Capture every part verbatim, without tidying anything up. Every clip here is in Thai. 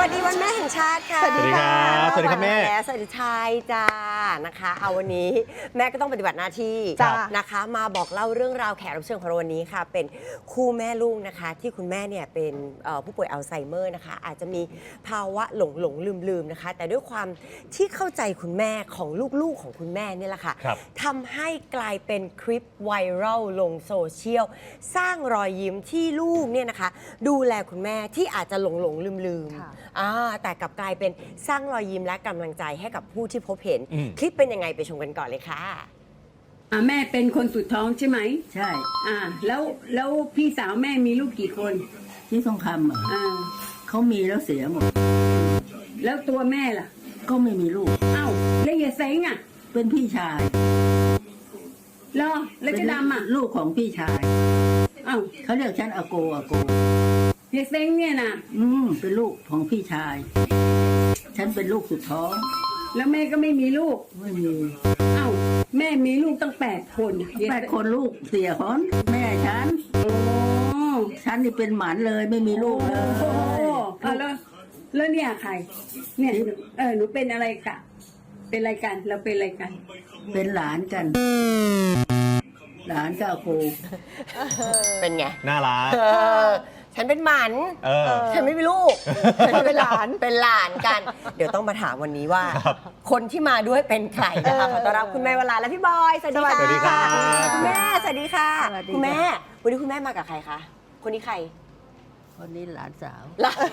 สดีวันแม่แห่งชาติค่ะสวัสดีครับสวัสดีครับแม่และสวัสดีชายจ้านะคะเอาวันนี้แม่ก็ต้องปฏิบัติหน้าที่จ้ะนะคะมาบอกเล่าเรื่องราวแขกรับเชิญของเราวันนี้ค่ะเป็นคู่แม่ลูกนะคะที่คุณแม่เนี่ยเป็นเอ่อผู้ป่วยอัลไซเมอร์นะคะอาจจะมีภาวะหลงหลงลืมลืมๆนะคะแต่ด้วยความที่เข้าใจคุณแม่ของลูกๆของคุณแม่เนี่ยแหละค่ะครับทำให้กลายเป็นคลิปไวรัลลงโซเชียลสร้างรอยยิ้มที่ลูกเนี่ยนะคะดูแลคุณแม่ที่อาจจะหลงหลงลืมลืมๆค่ะอ่าแต่กลับกลายเป็นสร้างรอยยิ้มและกำลังใจให้กับผู้ที่พบเห็นอืมคลิปเป็นยังไงไปชมกันก่อนเลยค่ะอ่าแม่เป็นคนสุดท้องใช่ไหมใช่อ่า แล้วแล้วพี่สาวแม่มีลูกกี่คนที่ทองคำเหรออ่าเขามีแล้วเสียหมดแล้วตัวแม่ล่ะก็ไม่มีลูกเอ้าแล้วยายเซ้งอ่ะเป็นพี่ชายเหรอแล้วเจะดำอ่ะเป็นลูกของพี่ชายเอ้าเขาเรียกฉันอาโกอาโกยายเซ้งเนี่ยนะอืมเป็นลูกของพี่ชาย ฉันเป็นลูกสุดท้องแล้วแม่ก็ไม่มีลูกไม่มีเอ้าแม่มีลูกตั้งแปดคนยายแปดคนลูกเสียของแม่ฉันโอ้ฉันนี่เป็นหมันเลยไม่มีลูกเลยโหเอาแล้วแล้วเนี่ยใคร เนี่ยเออหนูเป็นอะไรกะ เป็นอะไรกันเราเป็นอะไรกันเป็นหลานกัน หลานก็อาโกเป็นไงน่ารักเออฉันเป็นหมันเออฉันไม่มีลูกฉันเป็นหลานเป็นหลานกัน เดี๋ยวต้องมาถามวันนี้ว่าครับคนที่มาด้วยเป็นใครนะคะขอต้อนรับคุณแม่วราและพี่บอยสวัสดีค่ะสวัสดีครับคุณแม่สวัสดีค่ะสวัสดีคุณแม่ค่ะวันนี้คุณแม่มากับใครคะคนนี้ใครวันนี้หลานสาวหลาน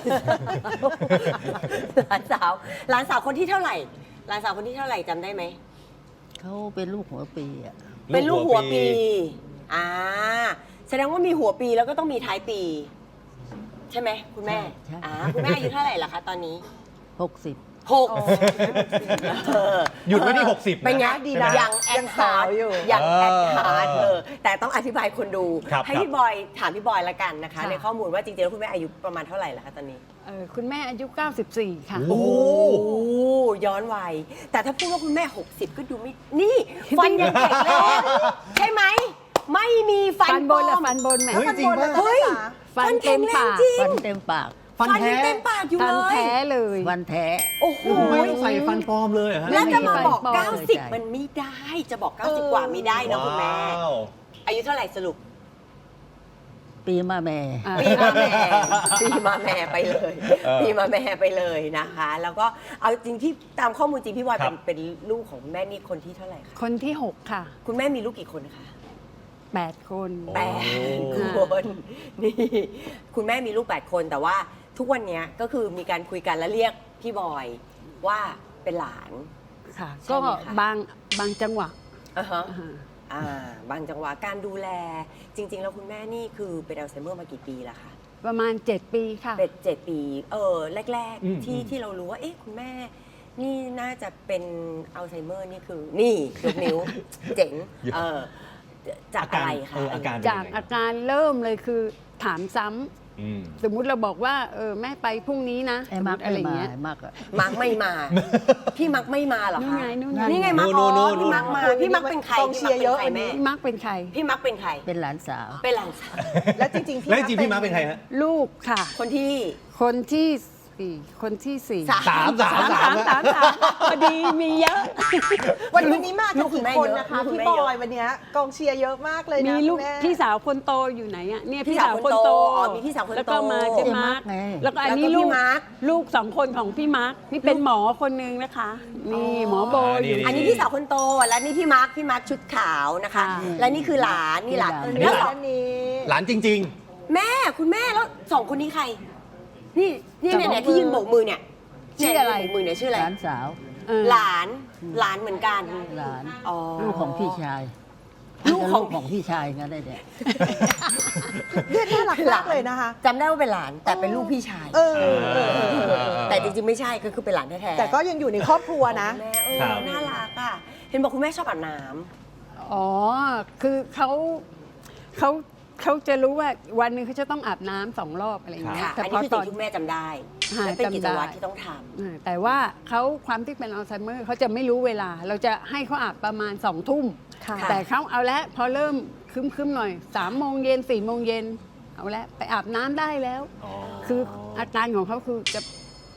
หลานสาวหลานสาวคนที่เท่าไหร่หลานสาวคนที่เท่าไหร่จำได้ไหมเขาเป็นลูกหัวปีอ่ะเป็นลูกหัวปี อ่า แสดงว่ามีหัวปีแล้วก็ต้องมีท้ายปี ใช่ไหมคุณแม่ใช่อ่า คุณแม่อายุเท่าไหร่ล่ะคะตอนนี้หกสิบหกเออหยุดไว้ที่หกสิบเป็นไงดีนะยังแอดฮาร์ดอยู่ยังเออแอดฮาร์ดเออแต่ต้องอธิบายคนดูครับให้ครับพี่บอยถามพี่บอยละกันนะคะค่ะในข้อมูลว่าจริงๆแล้วคุณแม่อายุประมาณเท่าไหร่ล่ะคะตอนนี้เออคุณแม่อายุ เก้าสิบสี่ ค่ะโอ้โอ้ย้อนวัยแต่ถ้าพูดว่าคุณแม่ หกสิบ ก็ดูไม่ นี่ ฟันยังแข็งแรงใช่ไหม ไม่มีฟันฟันบนปลและอมฟันบนแหมเฮ้ยจริงป่ะเฮ้ยฟันเต็มปากจริงฟันเต็มปากฟันฟันแท้ยังเต็มปากอยู่ฟัเลนยแท้เลยฟันแท้โอ้โหไม่ต้องใส่ฟันปลอมเลยเหรอฮะแล้วจะมาบอกไม่มีฟันปลอมเก้าสิบ มันไม่ได้ จะบอก เก้าสิบ กว่าไม่ได้นะคุณแม่ว้าวอายุเท่าไหร่สรุปปีมาแม่อ่าปีมาแม่ปีมาแม่ไปเลยเออปีมาแม่ไปเลยนะคะ แล้วก็เอาจริงที่ตามข้อมูลจริงพี่บอยครัเป็นบเป็นลูกของคุณแม่นี่คนที่เท่าไหร่คะคนที่ หก ค่ะคุณแม่มีลูกกี่คนคะแปด คนแปดคนนี่คุณแม่มีลูกแปดคนแต่ว่าทุกวันนี้ก็คือมีการคุยกันแล้วเรียกพี่บอยว่าเป็นหลานค่ะใช่ก็ไหมคะบางบางจังหวะอ่าฮะอ่าอ่าบางจังหวะการดูแล จริง ๆ แล้วคุณแม่นี่คือเป็นอัลไซเมอร์มากี่ปีแล้วคะประมาณ เจ็ด ปีค่ะเป็นเจ็ดปี เออแรกอืมๆ ที่อืมที่เรารู้ว่า เอ๊ะคุณแม่ นี่น่าจะเป็นอัลไซเมอร์นี่คือ นี่ยกนิ้ว เจ๋งเออจากอะไรคะเอออาการเป็นจากยังไงอาการเริ่มเลยคือถามซ้ำอืมสมมุติเราบอกว่าเออแม่ไปพรุ่งนี้นะไอ้สมมัมุกติอะไรไม่อย่างมาเงี้ยไอ้มักอะมักไม่มา พี่มักไม่มาเหรอนู่นคะไงนู่นไงนี่ไงมักนู่อ๋อนนู่นพี่มักมา พี่มักเป็นใครกองเชียร์เยอะพี่มักเป็นใครแม่พี่มักเป็นใครพี่มักเป็นใครเป็นหลานสาวเป็นหลานสาวแล้วจริงๆพี่แล้วจริงๆพี่มาร์คเป็นใครฮะลูกค่ะคนที่คนที่สี่คนที่สี่สามสามสามสามสามสามพอดีมีเยอะวันนี้มาลูกันกคุณกี่แม่คนเยอะนะคะลูกคุณพี่แม่บเยอะอยวันเนี้ยกองเชียร์เยอะมากเลยนะมีลูกคุณแม่พี่สาวคนโตอยู่ไหนอ่ะเนี่ยพี่พี่สาสาว วคคน นโตโตอ๋อมีพี่สาวคนโตแล้วก็มาเจเจ๊มามัร์กกไงแล้วก็อันแล้วก็นี้พี่ลูกมาร์คลูกสองคนของพี่มาร์กนี่เป็นหมอคนนึงนะคะนี่หมอโบอ่านี่อยู่อันนี้พี่สาวคนโต และนี่พี่มาร์ค พี่มาร์คชุดขาวนะคะค่ะและนี่คือหลาน นี่หลานนี่แล้วหสลาองอันนี้หลานจริงแม่คุณแม่แล้วสองคนนี้ใคร นี่นี่เนี่ยเนี่ยที่ยืนโบกมือเนี่ยชื่ออะไรเนี่ยยืนโบกมือเนี่ยชื่ออะไรหลานสาวเออหลาน หลานเหมือนกันหลานอ๋อลูกของพี่ชายลูกของลูกของพี่ชายงั้นได้เนี่ยเรียกน่ารักมากเลยนะคะจำได้ว่าเป็นหลานแต่เป็นลูกพี่ชายเออๆเออเออเออแต่จริงๆไม่ใช่ก็คือเป็นหลานแท้ๆแต่ก็ยังอยู่ในครอบครัวนะแม่เออครับน่ารักอ่ะเห็นบอกคุณแม่ชอบอาบน้อ๋อคือเขาเขาเขาจะรู้ว่าวันหนึงเขาจะต้องอาบน้ำสองรอบอะไรอย่างำเงี้ยค่ะแต่อันพนี้อคือตสิ่อง นที่คุณแม่จำได้อ่าและเป็นกิจวัตรจำได้ที่ต้องทำอ่าแต่ว่าเขาความที่เป็นอัลไซเมอร์เขาจะไม่รู้เวลา เราจะให้เขาอาบประมาณสองทุ่มค่ะแต่เขาเอาละพอเริ่มคึมๆหน่อยสามโมงเย็นสี่โมงเย็นเอาละไปอาบน้ำได้แล้วอ๋อคืออาการของเขาคือจะ ท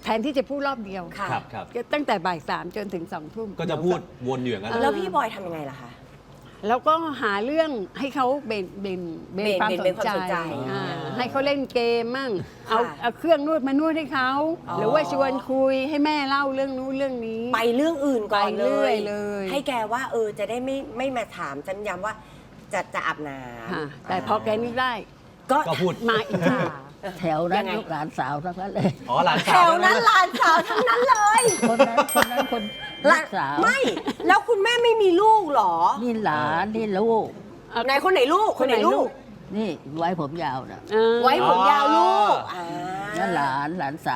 ทนที่จะพูดรอบเดียวค่ะครับครับก็ตั้งแต่บ่ายสามจนถึงสองทุ่มก็จะพูดวนอยู่อย่างนั้นแล้วพี่บอยทำยังไงล่ะคะแล้วก็หาเรื่องให้เขาเบนเบนเบนเบนความเบนสเบนนความใจสนใจอ่าอ่าให้เขาเล่นเกมมั่งค่ะเอาเอาเครื่องนวดมานวดให้เขาอ๋อหรือว่าชวนคุยให้แม่เล่าเรื่องนู้นเรื่องนี้ไปเรื่องอื่นก่อนไปเลเรื่อยยเลยให้แกว่าเออจะได้ไม่ไม่มาถามจำย้ำว่าจะจะอาบน้ค่ะำแต่พอแกนึกได้ก็ก็พูดมาอีกค่ะแถวนั้ยันงไงลูกหลานสาวทั้งนั้นเลยอ๋อหลานแถสาววนั้นหลานสาวทั้งนั้นเลยคนนั้นคนนั้นคนลูกสาวไม่ แล้วคุณแม่ไม่มีลูกเหรอนี่หลานนี่ลูกไหนคนไหนลูกคนไหนลูกนี่ไว้ผมยาวนะเออไว้ผมยาวลูกอ่านั่นหลานหลานสาว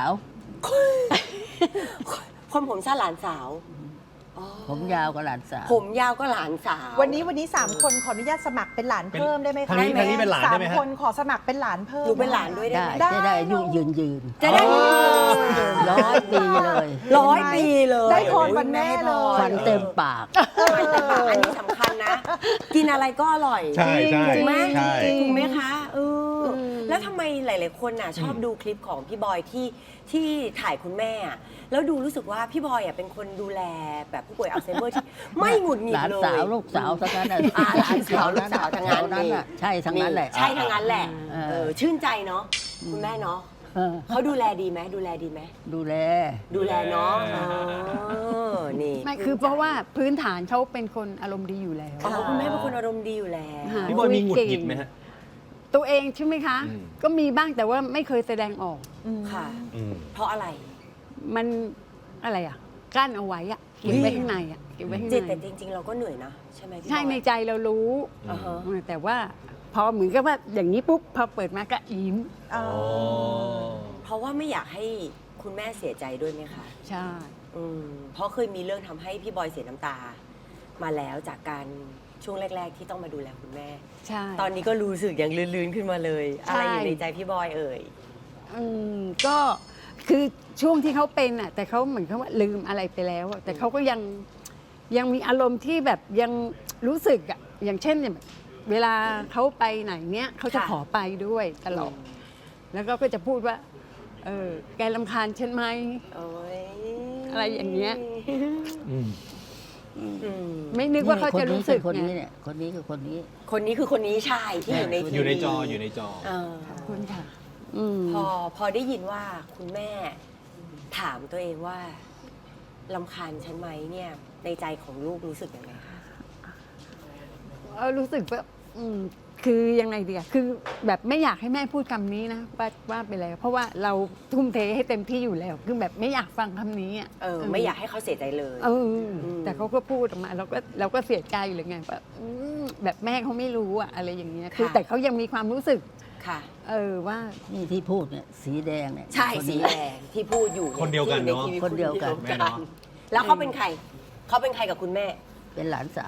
คนผมสั้นหลานสาวอ๋อผมยาวกับหลานสาวผมยาวก็หลานสาววันนี้วันนี้สามคนขออนุญาตสมัครเป็นหลานเพิ่มได้ไหมคะทางนี้ทางนี้เป็นหลานสาได้มไหมฮะคนขอสมัครเป็นหลานเพิ่มหนูเป็นหลานด้วยได้ได้ไหมจะได้อายุยืนยืนจะได้ร้อยปีเลยร้อยปีเลยได้พรวันแม่เลยฟันเต็มปากฟันเต็มปากอันนี้สำคัญนะ กินอะไรก็อร่อยใช่ใช่ถูกไหมใช่ถูกไหมคะเอออแล้วทำไมหลาย ๆ คนน่ะชอบดูคลิปของพี่บอยที่ที่ถ่ายคุณแม่อะแล้วดูรู้สึกว่าพี่บอยอ่ะเป็นคนดูแลแบบผู้ป่วยอัลไซเมอร์ที่ไม่หงุดหงิหดลานเลยสาวลูกสาวทั้งนั้นน่ะอ่าหลานสาวลูกสาวทั้งนั้นแถนั้นน่ะใช่ทั้งนั้นแหละใช่ทั้งนั้นแหละเออเออชื่นใจเนาะคุณแม่เนาะเออเขาดูแลดีไหมดูแลดีไหมดูแลดูแลเนาะเออนี่ไม่คือเพราะว่าพื้นฐานเขาเป็นคนอารมณ์ดีอยู่แล้วอ๋อคุณแม่เป็นคนอารมณ์ดีอยู่แล้วค่ะพี่บอยมีหงุดหงิดไหมฮะตัวเองใช่ไหมคะอืมก็มีบ้างแต่ว่าไม่เคยแสดงออกค่ะอืมเพราะอะไรมันอะไรอ่ะกั้นเอาไว้อ่ะเก็บไว้ข้างในอ่ะเก็บไว้ข้างจิตในแต่จริง ๆ เราก็เหนื่อยนะใช่ไหมพี่ใช่บอยในใจเรารู้อ่าฮะเออแต่ว่าพอเหมือนกับว่าอย่างนี้ปุ๊บพอเปิดมาก็ยิ้มอ๋อเพราะว่าไม่อยากให้คุณแม่เสียใจด้วยไหมคะใช่อืมเพราะเคยมีเรื่องทำให้พี่บอยเสียน้ำตา มาแล้วจากการช่วงแรก ๆ ที่ต้องมาดูแลคุณแม่ใช่ตอนนี้ก็รู้สึกอย่างลื่นๆขึ้นมาเลยใช่อะไรอยู่ในใจพี่บอยเอ่ยอืมก็คือช่วงที่เขาเป็นอ่ะแต่เขาเหมือนเขาว่าลืมอะไรไปแล้วอะแต่เขาก็ยังยังมีอารมณ์ที่แบบยังรู้สึกอ่ะอย่างเช่นเนี่ยเวลาเขาไปไหนเนี้ยเขาจะค่ะขอไปด้วยตลอดแล้วก็ก็จะพูดว่า เออแกรำคาญฉันไหมโอ้ยอะไรอย่างเงี้ยอืมอืมไม่นึกว่าเขาจะรู้สึกคนนี้ไงเนี่ยคนนี้คือคนนี้คนนี้คือคนนี้ใช่ที่อยู่ในทีวีอยู่ในจออยู่ในจอเออขอบคุณค่ะ อืมพอพอได้ยินว่าคุณแม่ถามตัวเองว่าลำคาญฉันไหมเนี่ย ในใจของลูกรู้สึกยังไงคะเออรู้สึกว่าอืมคือยังไงดีอะคือแบบไม่อยากให้แม่พูดคำนี้นะว่าว่าไปแล้ว เพราะว่าเราทุ่มเทให้เต็มที่อยู่แล้ว คือแบบไม่อยากฟังคำนี้อะเออ ไม่อยากให้เขาเสียใจเลยเอออมแต่เขาก็พูดออกมาเราก็เราก็เสียใจเลยไงแบบอืมแบบแม่เขาไม่รู้อะอะไรอย่างเงี้ยคือค่ะแต่เขายังมีความรู้สึกค่ะเออว่านี่ที่พูดเนี่ยสีแดงเนี่ยใช่คนสีนี้แดงที่พูดอยู่คนเดียวกันเนอะที่อยู่ใทีวีคนเดียวกันคแม่เนอะแล้วเขาเป็นใคร เขาเป็นใครกับคุณแม่เป็นหลานสาว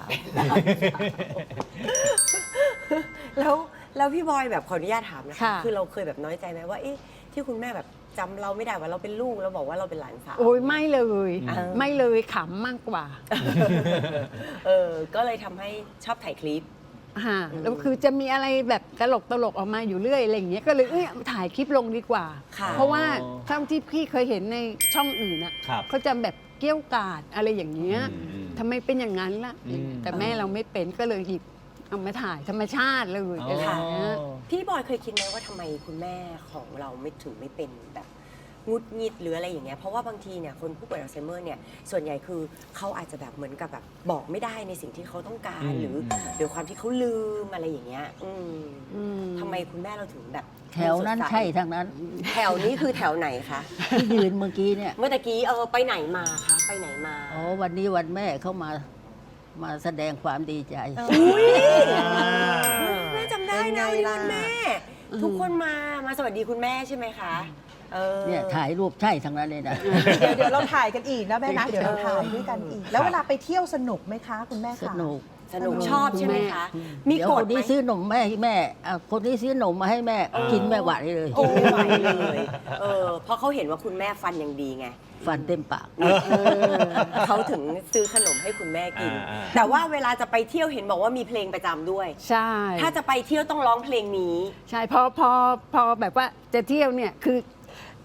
แล้วแล้วพี่บอยแบบขออนุญาตถามนะคะค่ะคือเราเคยแบบน้อยใจไหมว่าเอ๊ะที่คุณแม่แบบจำเราไม่ได้ว่าเราเป็นลูกเราบอกว่าเราเป็นหลานสาวโอ้ยไม่เลยอ่าไม่เลยขำมากกว่าเออ ก็เลยทำให้ชอบถ่ายคลิปฮะอืมแล้วคือจะมีอะไรแบบตลกตลกๆออกมาอยู่เรื่อยอะไรอย่างเงี้ยก็เลยเอ้ยถ่ายคลิปลงดีกว่าค่ะเพราะว่าเท่าที่พี่เคยเห็นในช่องอื่นอ่ะครับเขาจะแบบเกี้ยวกาดอะไรอย่างเงี้ยอืมทำไมเป็นอย่างนั้นล่ะอืมแต่แม่เราไม่เป็นก็เลยหยิบเอามาถ่ายธรรมชาติเลยอ๋ออะไรอย่างเงี้ยพี่บอยเคยคิดไหมว่าทำไมคุณแม่ของเราไม่ถึงไม่เป็นแบบงุดหงิดหรืออะไรอย่างเงี้ยเพราะว่าบางทีเนี่ยคนผู้ป่วยอัลไซเมอร์เนี่ยส่วนใหญ่คือเขาอาจจะแบบเหมือนกับแบบบอกไม่ได้ในสิ่งที่เขาต้องการอืมหรืออืมเดี๋ยวความที่เขาลืมอะไรอย่างเงี้ยอืมอืมทำไมคุณแม่เราถึงแบบแถวนั้นสดใช่ทั้งนั้นแถวนี้คือแถวไหนคะที่ยืนเมื่อกี้เนี่ยเมื่อตะกี้เออไปไหนมาคะไปไหนมาอ๋อวันนี้วันแม่เข้ามามาแสดงความดีใจอุ้ยอ่าแม่จำได้นะวันนี้วันแม่ ทุกคนมามาสวัสดีคุณแม่ใช่ไหมคะเออเนี่ยถ่ายรูปใช่ทั้งนั้นเลยนะเดี๋ยวเดี๋ยวเราถ่ายกันอีกนะแม่นะ เดี๋ยวเราถ่ายด้วยกันอีก แล้วเวลาไปเที่ยวสนุกไหมคะ คุณแม่คะสนุกสนุกชอบใช่ไหมคะ มีเดี๋ยวกคฎนไหมนี้ซื้อนมแม่ให้แม่อ่ะคนนี้ซื้อนมมาให้แม่ กินแม่หวานเลยโอ้ไม่ไหวเลยเออเพราะเขาเห็นว่าคุณแม่ฟันยังดีไงฟันเต็มปากเออเขาถึงซื้อขนมให้คุณแม่กินอ่าอ่าแต่ว่าเวลาจะไปเที่ยวเห็นบอกว่ามีเพลงประจำด้วยใช่ถ้าจะไปเที่ยวต้องร้องเพลงนี้ใช่พอพอพอแบบว่าจะเที่ยวเนี่ยคือ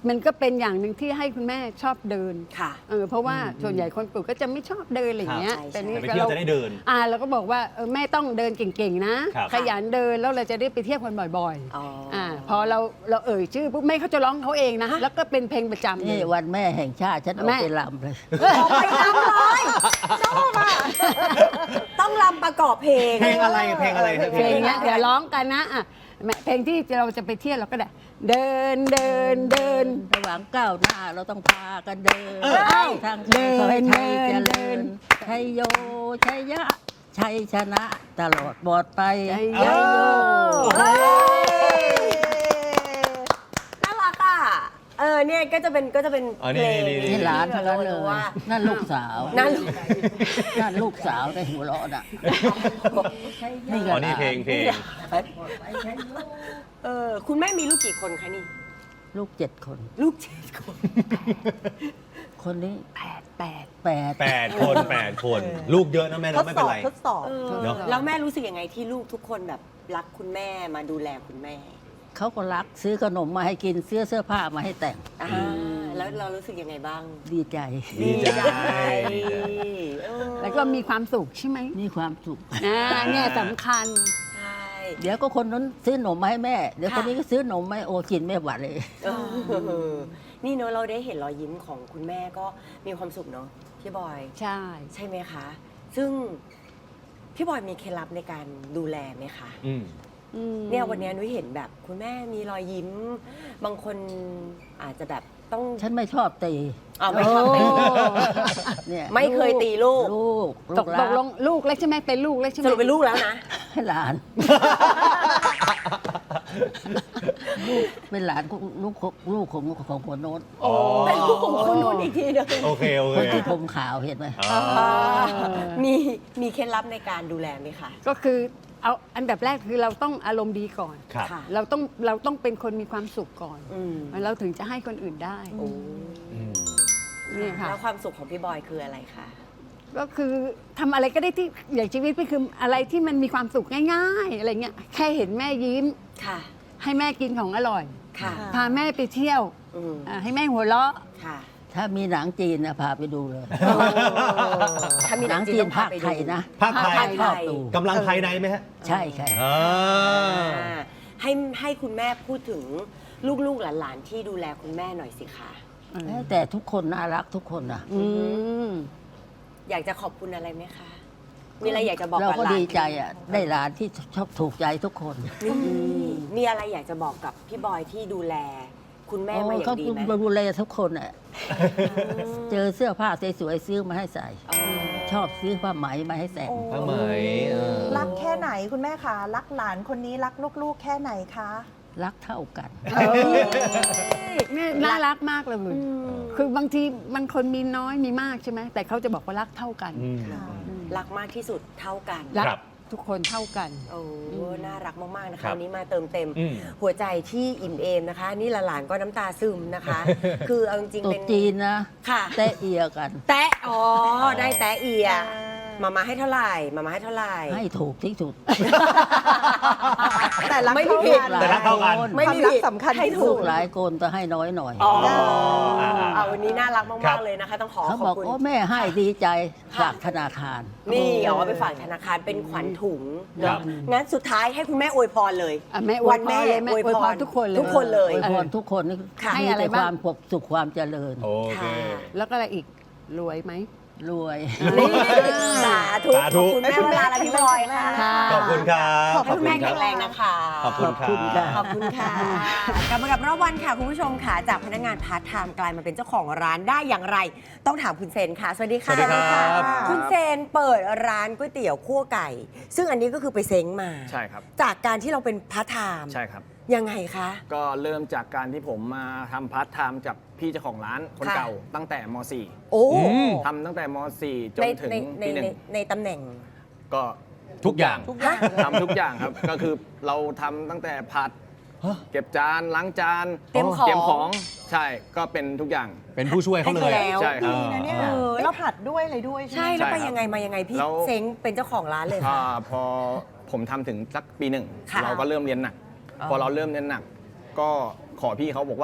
มันก็เป็นอย่างหนึ่งที่ให้คุณแม่ชอบเดินค่ะเออเพราะว่าส่วนใหญ่คนปลูกก็จะไม่ชอบเดินอะไรอย่างเงี้ยครับแต่นี่แต่ไปเที่ยวจะได้เดินอ่าเราก็บอกว่าเออแม่ต้องเดินเก่งๆนะครับ ขยันเดินแล้วเราจะได้ไปเที่ยวกันบ่อยอ๋อๆอ่าพอเราเราเอ่ยชื่อปุ๊บแม่เขาจะร้องเขาเองนะแล้วก็เป็นเพลงประจำเลนี่ยวันแม่แห่งชาติฉันเอาแม่ไปลำเลยไปรำเลยชอบอ่ะต้องรำประกอบเพลงเพลงอะไรเพลงอะไรครับเพลงเนี้ยเดี๋ยวร้องกันนะอ่ะแม่เพลงที่เราจะไปเที่ยวเราก็ได้เดินเดินเดินระหว่างก้าวหน้าเราต้องพากันเดินเออเอ้าทางเดินขอให้ไทยเดิเจนเดิรินญชัยโยชัยยะชัยชนะตลอดปลอดไปชัยโยเฮ้ยน่ารักอ่ะ เออเนี่ยก็จะเป็นก็จะเป็นอ๋อเพนี่ลงนี่นี่หลานทั้งนั้นเลยว่านั่นลูกสาวนั่นลูกนั่นลูกสาวในหัวเราะน่ะนี่ก็อ๋อนี่เพลงเพลงเออคุณแม่มีลูกกี่คนคะนี่ลูกเจ็ดคนลูกเจ็ดคนคนนี้แปดแปดแปดแปดคนแปดคน ลูกเยอะนะแม่ทเนาะดไม่สเป็นอบไรทดสอบเออเนอะแล้วแม่รู้สึกยังไงที่ลูกทุกคนแบบรักคุณแม่มาดูแลคุณแม่เขาก็รักซื้อขนมมาให้กินเสื้อเสื้อผ้ามาให้แต่งอ่าแล้วเรารู้สึกยังไงบ้างดีใจดีใจเออแล้วก็มีความสุขใช่ไหมมีความสุขอ่าเนี่ยสำคัญใช่เดี๋ยวก็คนนั้นซื้อขนมมาให้แม่ เดี๋ยวค่ะคนนี้ก็ซื้อขนมมาให้โอกินไม่หวานเลยเออนี่เนอะเราได้เห็นรอยยิ้มของคุณแม่ก็มีความสุขเนาะพี่บอยใช่ใช่ไหมคะ ซึ่งพี่บอยมีเคล็ดลับในการดูแลไหมคะอืมอืมเนี่ยวันนี้นุ้ยเห็นแบบคุณแม่มีรอยยิ้ม บางคนอาจจะแบบต้องฉันไม่ชอบตีเอาไม่ชอบตีเนี่ยไม่เคยตีลูกลูกตลูกกตรักลงลูกแล้วใช่ไหมเป็นลูกแล้วใช่ไหมสรุปเป็นลูกแล้วนะให้หลาน ลูกเป็นหลานของลูกของลูกของของคนโน้นอ๋อเป็นลูกของคนนู้นอีกทีหนึงโอเคโอคเคนที่ผมขาวเห็นไหมอ๋อมีมีเคล็ดลับในการดูแลไหมคะก็คือเอาอันดับแรกคือเราต้องอารมณ์ดีก่อนครับค่ะเราต้องเราต้องเป็นคนมีความสุขก่อนอืมเราถึงจะให้คนอื่นได้โอ้อืมนี่ค่ะแล้วความสุขของพี่บอยคืออะไรคะก็คือทำอะไรก็ได้ที่อย่างชีวิตพี่คืออะไรที่มันมีความสุขง่ายๆอะไรเงี้ยแค่เห็นแม่ยิ้มค่ะให้แม่กินของอร่อยค่ะพาแม่ไปเที่ยวอืมอ่าให้แม่หัวเราะค่ะถ้ามีหนังจีนนะพาไปดูเลยถ้ามีหนังจีนภาคไทยนะภาคไทยชอบดูกำลังภายในไหมฮะใช่ค่ะอ่าอ่าให้ให้คุณแม่พูดถึงลูกๆหลานๆที่ดูแลคุณแม่หน่อยสิคะแต่ทุกคนน่ารักทุกคนนะอืมอยากจะขอบคุณอะไรไหมคะ มีอะไรอยากจะบอกเรากับก็หลานดีใจอ่ะ ได้หลานที่ชอบถูกใจทุกคนนี่มีอะไรอยากจะบอกกับพี่บอยที่ดูแล คุณแม่มาอย่าเขางดีไหมดูแลทุกคนอ่ะ เจอเสื้อผ้าสวยๆซื้อมาให้ใส่อ๋อชอบซื้อผ้าไหมมาให้แต่งโอ้ผ้าไหมเออรักแค่ไหนคุณแม่คะรักหลานคนนี้รักลูกๆ แค่ไหนคะรักเท่ากันนี่น่ารักมากเลยอืมคือบางทีมันคนมีน้อยมีมากใช่ไหมแต่เขาจะบอกว่ารักเท่ากันอืมค่ะรักมากที่สุดเท่ากันรักครับทุกคนเท่ากันโอ้น่ารักมาก ๆ นะครัคะบวันนี้มาเติมเต็มอืมหัวใจที่อิ่มเอมนะคะ นี่หลานๆก็น้ำตาซึมนะคะ คือเอาจริงๆตุ๊เป็ดนจีนนะค่ะแตะเอียกันแตะอ๋อ ได้แตะเอีย มามาให้เท่าไหร่ มามาให้เท่าไหร่ให้ถูกที่สุดแต่รักไม่มีเท่าผิดกันแต่รักเท่ากันไม่ความมีรักผิดสำคัญให้ที่ถูสุลูดกหลายคนแต่ให้น้อยหน่อยอ๋ออ่าเอาวันนี้น่ารักครัมากบๆ เลยนะคะ ต้องขอเขาขอบอกบคุณโอ้แม่ให้ดีใจค่ะฝากธนาคารนี่อ๋อไปฝากธนาคารเป็นขวัญถุงครัเนาะบงั้นสุดท้ายให้คุณแม่อวยพรเลยอ่ะแม่อวยพรวันแม่เลยแม่อวยอวยพพรรทุกคนเลยทุกคนเลยอวยพรทุกคนนี่ค่ะให้มีอะไรแต่บ้างความสุขความเจริญโอเคค่ะแล้วก็อะไรอีกรวยไหมรวยนี่สาธุสาธุขอบคุณแม่เวลาและพี่บอยค่ะค่ะขอบคุณครับให้คุณแม่แข็งแรงนะคะขอบคุณคขอบคุณรัค่ะบขอบคุณค่ะกลับมากับรอบวันค่ะ คุณผู้ชมค่ะ จากพนักงานพาร์ทไทม์กลายมาเป็นเจ้าของร้านได้อย่างไร ต้องถามคุณเซนค่ะ สวัสดีค่ะสวัสดีครับคุณเซนเปิดร้านก๋วยเตี๋ยวคั่วไก่ ซึ่งอันนี้ก็คือไปเซ้งมาใช่ครับจากการที่เราเป็นพาร์ทไทม์ใช่ครับยังไงคะก็เริ่มจากการที่ผมมาทำพาร์ทไทม์กับพี่เจ้าของร้านคนค่ะเก่าตั้งแต่ม .สี่โอ้อืมทำตั้งแต่ม .สี่ จในนถึงในในปีหนึ่ในงในตำแหน่งก็ทุกอย่างทุกอย่างทำทุกอย่างครับ ก็คือเราทำตั้งแต่ผัดฮะเก็บจานล้างจานเตรียมของเตรียมของใช่ก็เป็นทุกอย่างเป็นผู้ช่วยเขาเลยให้เขาแล้วใช่ครับดีนะเนี่ยเออได้ผัดด้วยอะไรด้วยใช่ใช่ไหมแล้วไปใช่ครับยังไงมายังไงพี่แล้วเซ้งเป็นเจ้าของร้านเลยอ่าค่ะพอผมทำถึงสักปีหนึ่งค่ะเราก็เริ่มเรียนหนักอ๋อพอเราเริ่มเรียนหนัก ก็ขอพี่เขาบอกว่า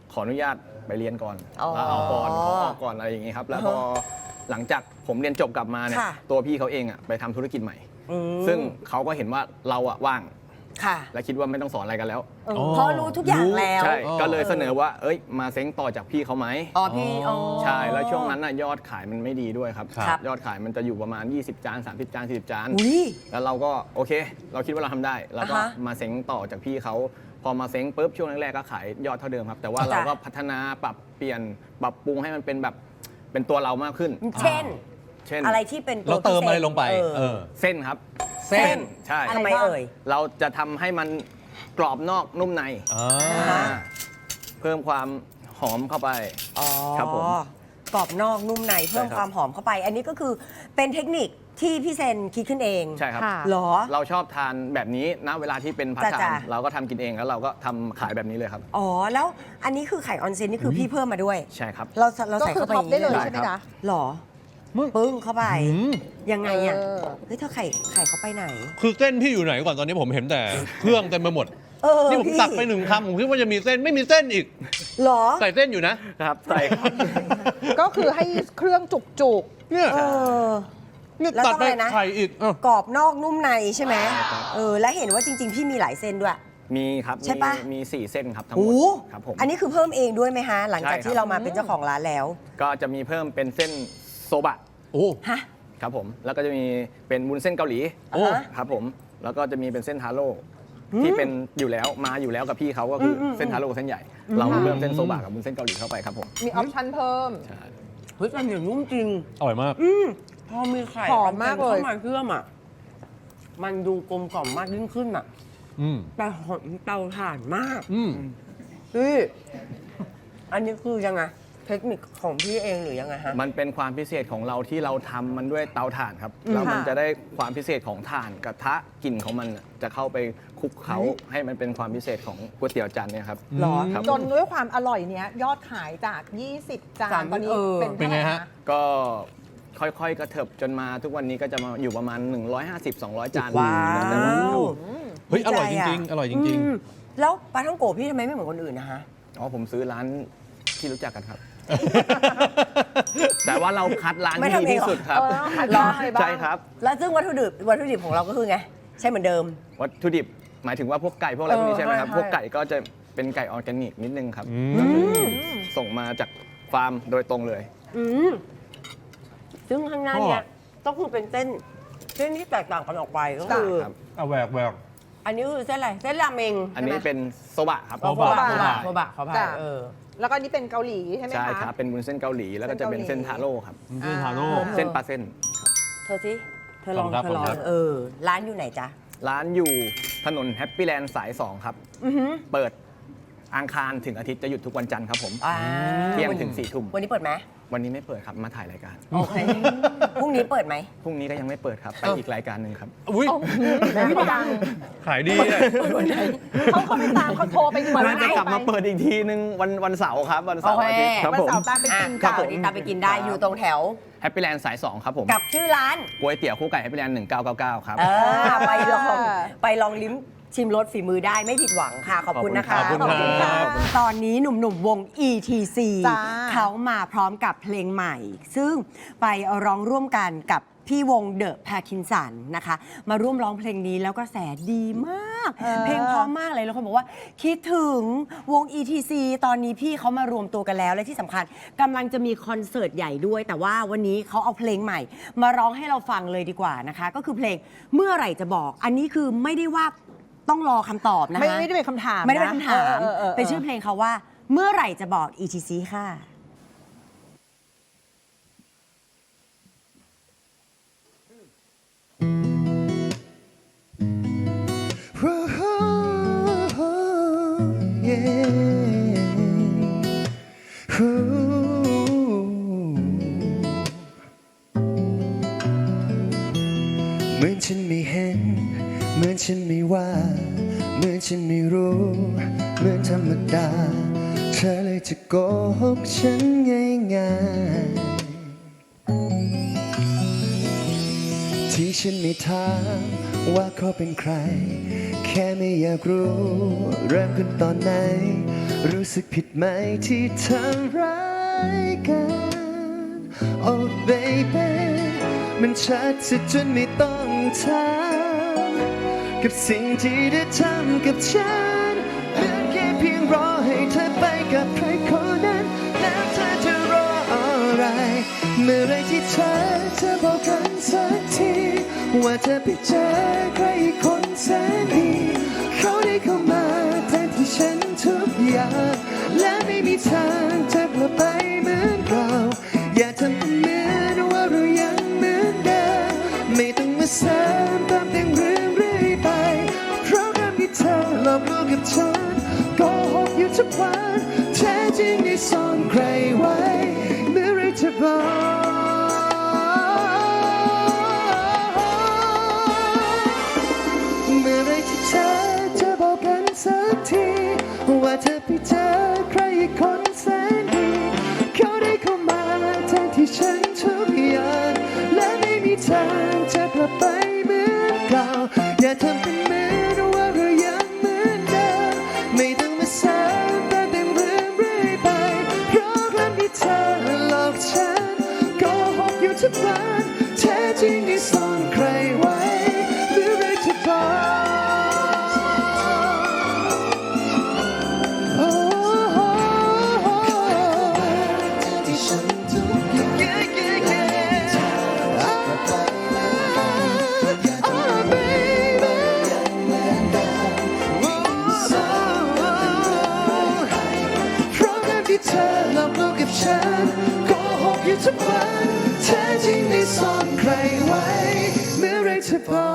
ขออนุญาตไปเรียนก่อนอ๋อลาออกก่อนขอออกก่อนอะไรอย่างนี้ครับ แล้วพอหลังจากผมเรียนจบกลับมาเนี่ยค่ะตัวพี่เขาเองอะไปทำธุรกิจใหม่อืมซึ่งเขาก็เห็นว่าเราอะว่างค่ะและคิดว่าไม่ต้องสอนอะไรกันแล้วเพราะรู้ทุกอย่างแล้วใช่อ๋อก็เลยเสนอว่า เอ้ย มาเซ้งต่อจากพี่เขาไหมอ๋อพี่อ๋อใช่ แล้วช่วงนั้นน่ะยอดขายมันไม่ดีด้วยครับครับยอดขายมันจะอยู่ประมาณ ยี่สิบ จาน สามสิบ จาน สี่สิบ จานอุ้ยแล้วเราก็โอเค เราคิดว่าเราทำได้ เราก็อ่าฮะมาเซ้งต่อจากพี่เขา พอมาเซ้งปุ๊บช่วงแรกๆก็ขายยอดเท่าเดิมครับ แต่ว่าจ้ะเราก็พัฒนาปรับเปลี่ยนปรับปรุงให้มันเป็นแบบเป็นตัวเรามากขึ้นเช่นเช่นอะไรที่เป็นตัวเราเติมพิศษอะไรลงไปเออเออเส้นครับเส้นใช่ทำไมเอ่ยเราจะทำให้มันกรอบนอกนุ่มในอ่าอ่าเพิ่มความหอมเข้าไปอ๋อครับผมกรอบนอกนุ่มในเพิ่มใช่ครับความหอมเข้าไป อันนี้ก็คือเป็นเทคนิคที่พี่เซนคิดขึ้นเองใช่ครับค่ะเหรอเราชอบทานแบบนี้ณเวลาที่เป็นพัฒจ้ะทานๆเราก็ทำกินเองแล้วเราก็ทำขายแบบนี้เลยครับอ๋อ แล้วอันนี้คือไข่ออนเซนนี่คือพี่เพิ่มมาด้วยใช่ครับเราเราก็ใส่คือเข้าไปท็อปได้เลยได้ใช่ไหมครัคะบหรอปึ้งเข้าไปอืมยังไงอ่ะเออเฮ้ยเธอไข่ไข่เขาไปไหนคือเส้นพี่อยู่ไหนก่อนตอนนี้ผมเห็นแต่เครื่องเต็มไปหมดเออนี่ผมพี่ตักไปหนึ่งคำผมคิดว่าจะมีเส้นไม่มีเส้นอีกหรอใส่เส้นอยู่นะครับใส่ครับก็คือให้เครื่องจุกจุกเนี่ยเออเนี่ยแล้วตัดต้องไปอะไรนะไข่อีกเอ้ากรอบนอกนุ่มในใช่ไหมใช่ครับเออ และเห็นว่าจริง ๆ พี่มีหลายเส้นด้วยมีครับใช่ปะมีมีสี่เส้นครับทั้งหมโอ้ดครับผมอันนี้คือเพิ่มเองด้วยไหมฮะ หลังจากใช่ครับที่เรามาเป็นเจ้าของร้านแล้วก็จะมีเพิ่มเป็นเส้นโซบะโอ้ฮะครับผม แล้วก็จะมีเป็นวุ้นเส้นเกาหลีโอ้อ่าฮะครับผม แล้วก็จะมีเป็นเส้นทาโร่ที่เป็นอยู่แล้วมาอยู่แล้วกับพี่เขาก็คืออมอืมเส้นทาโร่กับเส้นใหญ่ เราเพิ่มเส้นโซบะกับวุ้นเส้นเกาหลีเข้าไปครับผมๆมีออปชั่นเพิ่มใช่เฮ้ยแต่เหนียวนุ่มจริงอร่อยมากอืมพอมีไข่หอมมากเลยเข้ามาเชื่อมอ่ะ มันดูกลมกล่อมมากยิ่งขึ้นอ่ะอืมแต่หอมเตาถ่านมากอืมพี่อันนี้คือยังไง เทคนิคของพี่เองหรือยังไงฮะมันเป็นความพิเศษของเราที่เราทำมันด้วยเตาถ่านครับอืมแล้วมันค่ะจะได้ความพิเศษของถ่านกระทะกลิ่นของมันน่ะจะเข้าไปคลุกเคล้าให้มันเป็นความพิเศษของก๋วยเตี๋ยวจานเนี่ยครับหรอครับจนด้วยความอร่อยเนี้ยยอดขายจาก ยี่สิบ จาสาน มตอนนี้เออเป็นเป็นเท่าไหไงร่ฮะคะก็ค่อยๆ กระเถิบจนมาทุกวันนี้ก็จะมาอยู่ประมาณ หนึ่งร้อยห้าสิบ สองร้อย จานว้าแล้วแต่วันวเฮ้ย อร่อยจดีใจริง ๆ อร่อยจริงอืมแล้วปลาท่องโกะพี่ทำไมไม่เหมือนคนอื่นนะฮะอ๋อผมซื้อร้านที่รู้จักกันครับๆแต่ว่าเราคัดร้านไม่ที่ทำดีเองเหรอที่สุดครับเออขายบ้างอะไรบ้างใช่ครับแล้วซึ่งวัตถุดิบวัตถุดิบของเราก็คือไง ใช่เหมือนเดิมวัตถุดิบหมายถึงว่าพวกไก่พวกอะไรพวกนี้เออใช่ไหมครับใช่พวกไก่ก็จะเป็นไก่ออร์แกนิกนิดนึงครับอืมก็คือส่งมาจากฟาร์มโดยตรงเลยอืมซึ่งข้างหน้าเนี่ยต้องคือเป็นเส้นเส้นที่แตกต่างกันออกไปก็คือครับเอาแหวกแหวกอันนี้คือเส้นอะไร เส้นราเมงอันนี้ใช่ไหมเป็นโซบะครับโซโซบะบะโซบะโซบะขออภัยจ้ะเออแล้วก็อันนี้เป็นเกาหลีใช่ไหมใช่คะครับ เป็นวุ้นเส้นเกาหลี แล้วก็จะเป็นเส้เส้นนเกาหลีทาโร่ครับเส้นทาโร่เส้นปลาเส้นเธอสิเธอลองขอบคุณครับเธอลองขอบคุณครับเออ ร้านอยู่ไหนจ๊ะร้านอยู่ถนนแฮปปี้แลนด์สาย สอง ครับอือหือเปิดอังคารถึงอาทิตย์จะหยุดทุกวันจันทร์ครับผมอ่าเที่ยงถึงสี่ทุ่มวันนี้เปิดไหมวันนี้ไม่เปิดครับ มาถ่ายรายการโอเค พรุ่งนี้เปิดไหมพรุ่งนี้ก็ยังไม่เปิดครับ ไปอีกรายการหนึ่งครับอุ้ยไม่ดังขายดีอะเขาเขาไม่ตามเขาโทรไปเหมือนน่าจะกลับมาเปิดอีกทีนึงวันวันเสาร์ครับ วันเสาร์โอเคอาทิตย์ครับวันผมเสาร์ตามไปอ่ะกินก็กันเปิดนี้ตามไปกินได้ครับอยู่ตรงแถวแฮปปี้แลนด์สาย สอง ครับผมกับชื่อร้านก๋วยเตี๋ยวคู่ไก่แฮปปี้แลนด์หนึ่งเก้าเก้าเก้าครับเออ ไปลอง ไปลองลิ้มชิมรสฝีมือได้ไม่ผิดหวังค่ะ ขอบคุณนะคะขอบคุณครับตอนนี้หนุ่มๆวง อี ที ซีจ้าเขามาพร้อมกับเพลงใหม่ ซึ่งไปร้องร่วมกันกับพี่วงเดอะแพคินสันนะคะ มาร่วมร้องเพลงนี้แล้วก็แสดีมาก เพลงเพราะมากเลยแล้วคนบอกว่า คิดถึงวง อี ที ซี ตอนนี้พี่เขามารวมตัวกันแล้ว และที่สำคัญกำลังจะมีคอนเสิร์ตใหญ่ด้วย แต่ว่าวันนี้เขาเอาเพลงใหม่ มาร้องให้เราฟังเลยดีกว่านะคะ ก็คือเพลงเมื่อไหร่จะบอก อันนี้คือไม่ได้ว่าต้องรอคำตอบนะคะไม่ไม่ได้เป็นคำถามไม่ได้เป็นคำถามออออเป็นชื่อเพลงเขาว่า เมื่อไหร่จะบอก อี ที ซี ค่ะเหมือนฉันไม่เห็น เหมือนฉันไม่ว่า เหมือนฉันไม่รู้ เหมือนธรรมดา เธอเลยจะโกหกฉันง่ายๆที่ฉันไม่ถามว่าเขาเป็นใคร แค่ไม่อยากรู้ เริ่มขึ้นตอนไหนรู้สึกผิดไหมที่ทำร้ายกันโอ้ baby มันชัดซะจนไม่ต้องถามกับสิ่งที่ได้ทำกับฉันเหลือแค่เพียงรอให้เธอไปกับใครคนนั้นแล้วเธอจะรออะไรเมื่อไรที่เธอจะบอกกันสักทีว่าเธอไปเจอใครอีกคนแสนดีเขาได้เข้ามาแทนที่ฉันทุกอย่างและไม่มีทางจะกลับไปเหมือนเก่าอย่าทำเป็นเหมือนว่าเรายังเหมือนเดิมไม่ต้องมาเสริมเติมแต่งเรื่องเรื่อยไปเพราะการที่เธอหลอกลวงกับฉันโกหกอยู่ทุกวันแท้จริงได้ซ่อนใครไว้เมื่อไรจะบอกเมื่อไรที่เธอจะบอกกันสักทีว่าเธอไปเจอใครอีกคนแสนดีเขาได้เข้ามาแทนที่ฉันทุกอย่างและไม่มีทางจะกลับไปเหมือนเก่าอย่าทำเป็นเหมือนว่าเรายังเหมือนเดิมไม่ต้องมาเสริมแต่งเรื่องเรื่อยไปเพราะการที่เธอหลอกฉันโกหกอยู่ทุกวันแท้จริงได้ซ่อนใครไว้เมื่อไรจะบอกโอ้โหที่ฉันทุกอย่าง yeah yeah yeah oh baby เพราะการที่เธอหลอกลวงกับฉันโกหกอยู่ทุกวันแท้จริงได้ซ่อนใครไว้เมื่อไรจะบอก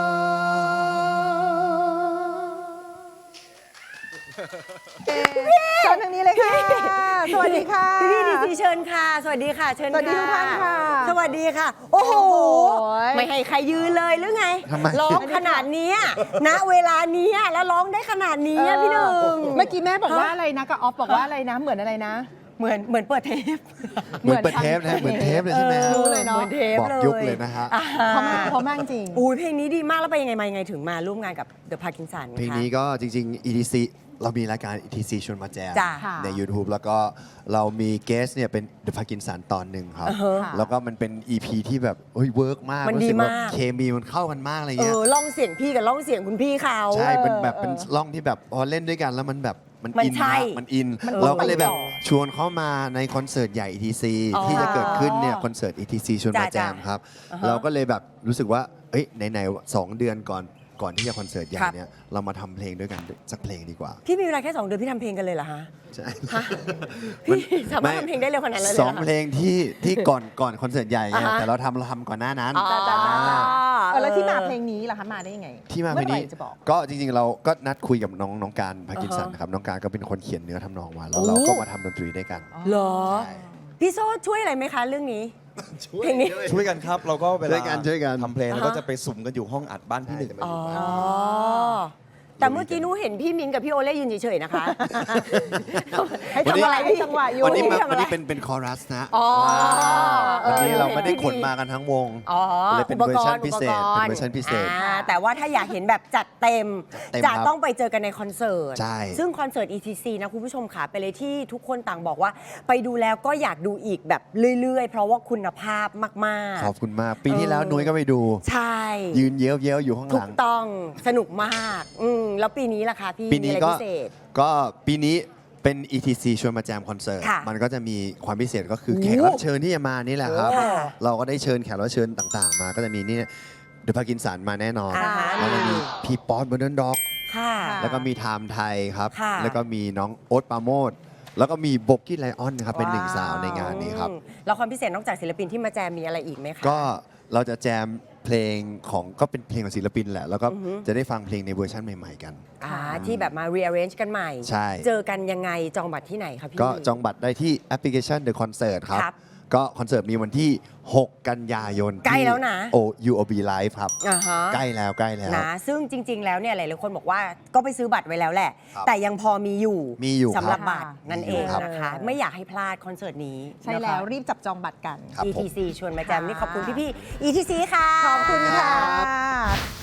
เชิญทางนี้เลยค่ะ สวัสดีค่ะพี่ดีซีเชิญค่ะ สวัสดีค่ะ เชิญสวัสดีทุกท่านค่ะสวัสดีค่ะ โอ้โหโอ้โหไม่ให้ใครยืนเลยหรือไงทำไมร้องขนาดเนี้ยณเวลาเนี้ยแล้วร้องได้ขนาดนี้อะพี่หนึ่งเมื่อกี้แม่บอกว่าอะไรนะกับออฟบอกว่าอะไรนะ เหมือนอะไรนะเหมือนเหมือนเปิดเทปเหมือนเปิดเทปนะเหมือนเทปเลยใช่ไหมฮะรู้เลยเนาะเหมือนเทปบอกเลยยุคเลยนะฮะอ่าเพราะมากเพราะมากจริงอุ้ยเพลงนี้ดีมากแล้วไปยังไงมายังไงถึงมาร่วมงานกับ The Parkinson เพลงนี้ก็จริงๆ อี ที ซี เรามีรายการ อี ที ซี ชวนมาแจมจ้ะค่ะใน YouTube แล้วก็เรามีเกสเนี่ยเป็น The Parkinson ตอนหนึ่งครับอ่าฮะแล้วก็มันเป็น อี พี ที่แบบเฮ้ยเวิร์กมากมันดีรู้สึกว่มากเคมีมันเข้ากันมากอะไรเอเงี้ยอล่องเสียงพี่กับล่องเสียงคุณพี่เขาใช่เป็นแบบเออเป็นร่องที่แบบพอเล่นด้วยกันแล้วมันแบบมันมันอินใช่มากมันอินมันเราก็เลยแบบต่อชวนเขามาในคอนเสิร์ตใหญ่ อี ที ซีอ๋อที่จะเกิดขึ้นเนี่ยคอนเสิร์ต อี ที ซี ชวนมาแจจ้ะมครับอ่าฮะเราก็เลยแบบรู้สึกว่าเอ้ยไหนๆสองเดือนก่อนก่อนที่จะคอนเสิร์ตใหญ่ครับเนี่ยเรามาทำเพลงด้วยกันสักเพลงดีกว่าพี่มีเวลาแค่สองเดือนพี่ทำเพลงกันเลยเหรอฮะใช่ฮะพี่สามารถทำเพลงได้เร็วขนาดนั้นเลยเหรอสองเพลงที่ที่ก่อนก่อนคอนเสิร์ตใหญ่ไงอ่าฮะแต่เราทำเราทำก่อนหน้านั้นอ๋ออ่าเออแล้วที่มาเพลงนี้ล่ะคะมาได้ยังไงที่มาเพลงนี้มื่อไหร่จะบอกก็จริงๆ เราก็นัดคุยกับน้องน้องการพากินสันอ่าฮะครับน้องการก็เป็นคนเขียนเนื้อทำนองมาแล้วโอ้เราก็มาทำดนตรีด้วยกันเหรอใช่พี่โซ่ช่วยอะไรไหมคะเรื่องนี้ เพลงนี้ช่วยกันครับ เราก็เวช่ลาวยกันช่วยกันทำเพลงอ่าฮะเราก็จะไปสุ่มกันอยู่ห้องอัดบ้านพี่หนึ่งอ๋อ แต่เมื่อกี้หนูเห็นพี่มิ้นกับพี่โอเล่ยืนเฉยๆนะคะให้จังหวะให้จังหวะอยู่วันนี้มาทำอะไรวันนี้เป็นเป็นคอรัสนะอ๋อวันนี้เออเราไม่ได้เห็นขนดีมากันทั้งวงอ๋อเลยเป็นอุปเวอร์กชัรนณ์พิเศษอุปกเป็นรณ์เวอร์ชันพิเศษอ่าแต่ว่าถ้าอยากเห็นแบบจัดเต็มเต็มจะครับต้องไปเจอกันในคอนเสิร์ตใช่ซึ่งคอนเสิร์ต อี ที ซี นะคุณผู้ชมค่ะไปเลยที่ทุกคนต่างบอกว่า ไปดูแล้วก็อยากดูอีกแบบเรื่อยๆ เพราะว่าคุณภาพมากๆขอบคุณมาก ปีที่แล้วเออนุ้ยก็ไปดูใช่ยืนเย้ยวเย้ยวอยู่ข้างถูหลักงต้องสนุกมากอืมแล้วปีนี้ล่ะคะพี่ปีนี้มีอะไรก็พิเศษก็ปีนี้เป็น อี ที ซี ชวนมาแจมคอนเสิร์ตค่ะมันก็จะมีความพิเศษก็คือโอ้แขกรับเชิญที่จะมานี่แหละครับค่ะเราก็ได้เชิญแขกรับเชิญต่างๆ มาก็จะมีนี่เดอะพากินสันมาแน่นอนอ่าฮะแล้วก็มีพี่ป๊อตเบอร์เดนด็อกค่ะแล้วก็มีไทม์ไทยครับค่ะแล้วก็มีน้องโอ๊ตปราโมดแล้วก็มีโบกี้ไลออนครับเป็นหนึ่งสาวในงานนี้ครับอืมแล้วความพิเศษนอกจากศิลปินที่มาแจมมีอะไรอีกไหมคะก็เราจะแจมเพลงของก็เป็นเพลงของศิลปินแหละ แล้วก็อือฮึจะได้ฟังเพลงในเวอร์ชันใหม่ ๆ กันอ่าที่แบบมา rearrange กันใหม่ใช่เจอกันยังไงจองบัตรที่ไหนคะพี่ก็จองบัตรได้ที่แอปพลิเคชัน The Concert ครับครับก็คอนเสิร์ตมีวันที่ หก กันยายนใกล้แล้วนะโอ ยู โอ บี Live ครับอ่าฮะใกล้แล้วใกล้แล้วนะซึ่งจริง ๆ แล้วเนี่ยหลายๆคนบอกว่าก็ไปซื้อบัตรไว้แล้วแหละครับแต่ยังพอมีอยู่มีอยู่สำหรับครับบัตรนั่นมีเออยู่งครับนะคะ ไม่อยากให้พลาดคอนเสิร์ตนี้ใช่นะคะแล้วรีบจับจองบัตรกันครับอีผมที ซี ชวนมาแจมค่ะนี่ขอบคุณพี่ๆ อี ที ซี ค่ะขอบคุณค่ะ